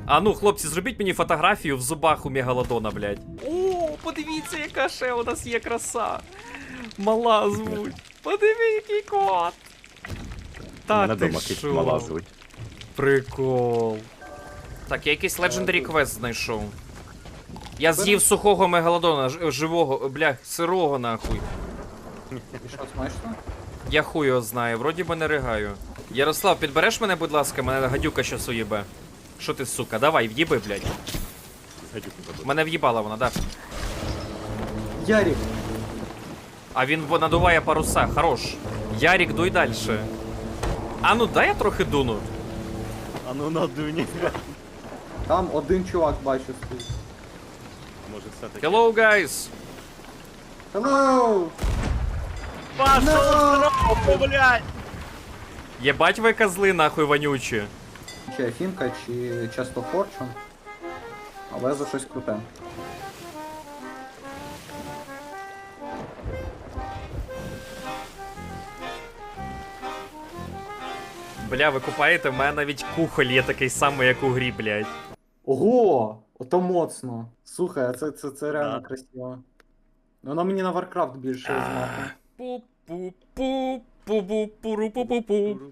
А ну, хлопці, зробіть мені фотографію в зубах у мегалодона, блядь. О, подивіться, яка ще у нас є краса. Мала звуть. Подиви, який кот. Та Мене ти дома кіт шо? мала звуть. Прикол. Так, я якийсь Legendary Quest знайшов. Я з'їв сухого мегалодона, живого, бля, сирого нахуй. І що, смачно? Я хуй його знаю, вроді би не ригаю. Ярослав, підбереш мене, будь ласка, мене гадюка щас уїбе. Що ти, сука, давай, в'їби, блядь. Гадюку забув. Мене в'їбала вона, да. Ярик! А він надуває паруса, хорош. Ярік, дуй дальше. А ну дай я трохи дуну. А ну надуні. Там один чувак бачу стоїть. Може все-таки. Hello, guys! Hello! Пашо, блядь! Єбать ви козли, нахуй вонючі. Чи Афінка, чи часто Форчун. Але за щось круте. Бля, ви купаєте, в мене навіть кухоль є такий самий, як у грі, блядь. Ого! Ото моцно. Слухай, а це реально Да. красиво. Воно мені на Warcraft більше знати. Пу-пу-пу, пу-бу-пуру-пу-пу-пу.